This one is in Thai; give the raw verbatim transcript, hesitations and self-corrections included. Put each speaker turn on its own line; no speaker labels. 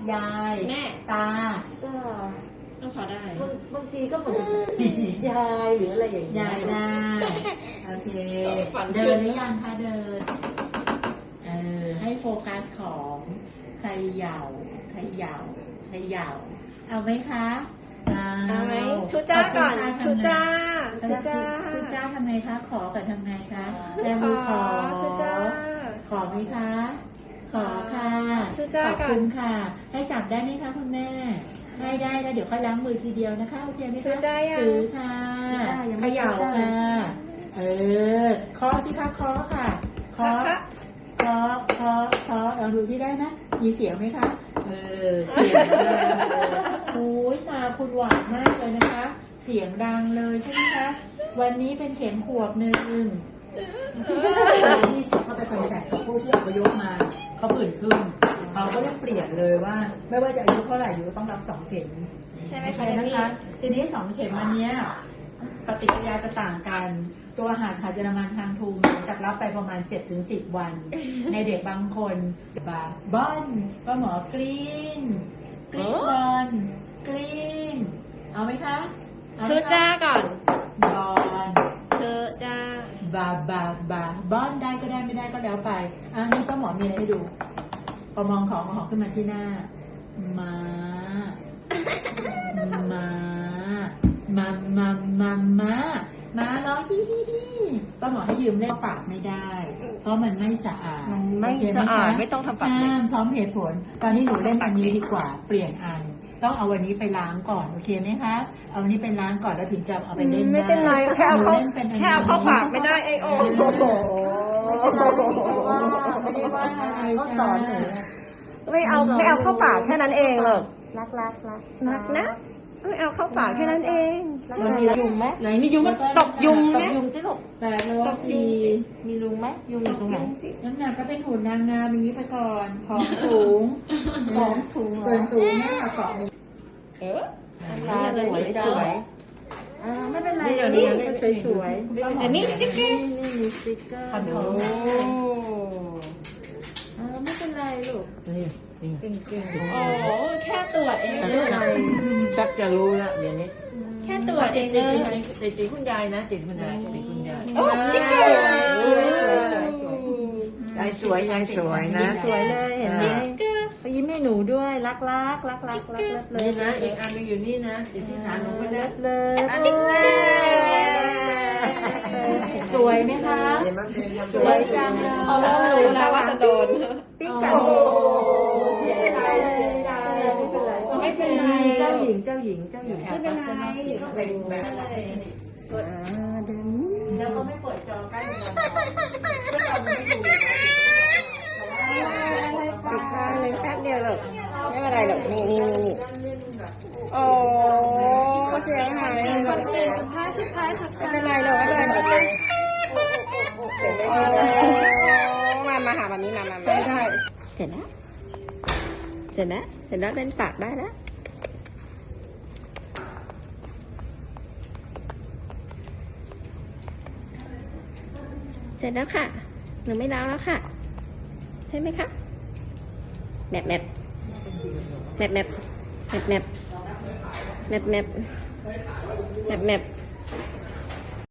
ยาย
แม่
ตา
ก็
ก็พอได้
บางบางทีก็เหมือนยายหรืออะไรอย่างเงี้
ยายได้โอเคเดินหรือยังคะเดินเออให้โฟกัสของเขย่าเขย่าเขย่าเอาไหมคะ
เอาไหมทุจ้าก่อนทุจ้าทุจ้า
ทุจ้าทำไงคะขอกับทำไงคะแม่มือขอ
ทุจ้า
ขอไหมคะขอค่ะขอบคุณค่ะ ให้จับได้ไหมคะคุณแม่ให้ได้แล้วเดี๋ยวค่อยล้างมือทีเดียวนะคะโอเคไหมคะถือค่ะเขย่าค่ะเออเคาะสิคะเคาะค่ะเคาะเคาะเคาะเคาะลองดูที่ได้ไหมมีเสียงไหมคะเออเสียงดังโอ้ยตาคุณหวานมากเลยนะคะ เสียงดังเลยใช่ไหมคะวันนี้เป็นเข็มขวบหนึ่งที่สิเขาไปคอนแทคกับผู้ที่อพยพมาเขาผื่นขึ้นเขาก็ได้เปลี่ยนเลยว่าไม่ว่าจะอายุเท่าไหร่อยู่ต้องรับสองเข็ม
ใช่ไหมคะ
นะคะทีนี้สองเข็มอันนี้ปฏิกิริยาจะต่างกันตัวอาหารขาดเยอรมันทางทูมจะรับไปประมาณ เจ็ดถึงสิบ วันในเด็กบางคนจะบาบอนก็หมอกรีนกรีนบอลกรีนเอาไหมคะ
ทุจ้าก่อน
บอล
ทุจ้า
บาบาบาบอนได้ก็ได้ไม่ได้ก็แล้วไปอันนี้ก็หมอมีอะไรให้ดูพอมองของของขึ้นมาที่หน้ามามามามามามามาร้องฮิฮิฮิก็หมอให้ยืมเล่นปากไม่ได้เพราะมันไม่สะอาด
มันไม่สะอาดไม่ต้องทำปาก
ห้ามพร้อมเหตุผลตอนนี้หนูเล่นอันนี้ดีกว่าเปลี่ยนอันต้องเอาวันนี้ไปล้างก่อนโอเคไหมคะเอาวันนี้ไปล้างก่อนแล้วถึงจะเอาไปเล่นได้
ไม่เป็นไรแค่เอาเข้าแค่เอาเข้าปากไม่ได้ไอโอ
ไม่ได้ว่าอะไรเขาสอนหนู
ไม่เอาไม่เอาเข้าปากแค่นั้นเองหรอก
รักรักรัก
รักนะไม่เอาเข้าปากแค่นั้นเอง
มันมียุงไหม
ไหนมียุงก็ตบยุงไหม
ตบยุงสิลูก
แปดโลสี่
มียุงไหมยุงอยู่ตรงไหน
น้ำหนักก็เป็นหุ่นนางงามนี้ไปก่อนผอมสูงผอมสูงส่วนสูงเนี่ยเกาะ
เออ
ตาสวยสวยอ่าไม่เป็นไรเดี๋ยวนี้สวยสวย
แต่นี่สติ๊กเกอร์
นี่มีสติ๊กเกอร์
โอ้
อ่าไม่เป็นไรลูกเก่งเก่ง
โอ้แค่ตรวจเองเลย
ชักจะรู้แล้วเดี๋ยวนี้
แค่ตรวจเองเลย
ติดติดคุณยายนะติดคุณยายติดคุณยาย
โอ้สติ๊กเกอร์
ยายสวยยายสวยนะสวยเลยเห็นไหมไปยิ้มให้หนูด้วยรักรักรักรักรักรักเลยนะอีกอันนึงอยู่นี่นะติดที่ขาหนูก็ได้เลยอันนี้
สวยไหมคะสวยจังเลย
เขาเริ่มรู้แล้วว่าจะโดน
ปิ้งไก่ไม่เป็นไรไม่เป็นไรเจ้าหญิงเจ้าหญิงเจ้าหญิง
ไม่เป็นไร
เป็นแบบกดแล้วก็ไม่เปิดจอใกล้กัน
ปิดข้างเลยแป๊บเดียวหรอกไม่เป็นไรหรอกนี่นี่นี่โอ้เสียงหายเลยแบบไม่เป็นไรหรอกไม่เป็นไรหรอกมามาหาแบบนี้มามามาได้เสร็จแล้วเสร็จแล้วเสร็จแล้วเล่นปากได้แล้วเสร็จแล้วค่ะหนูไม่ล้างแล้วค่ะใช่ไหมคะแมบแมบแมบแมบแมบแมบแมบแมบแมบแมบ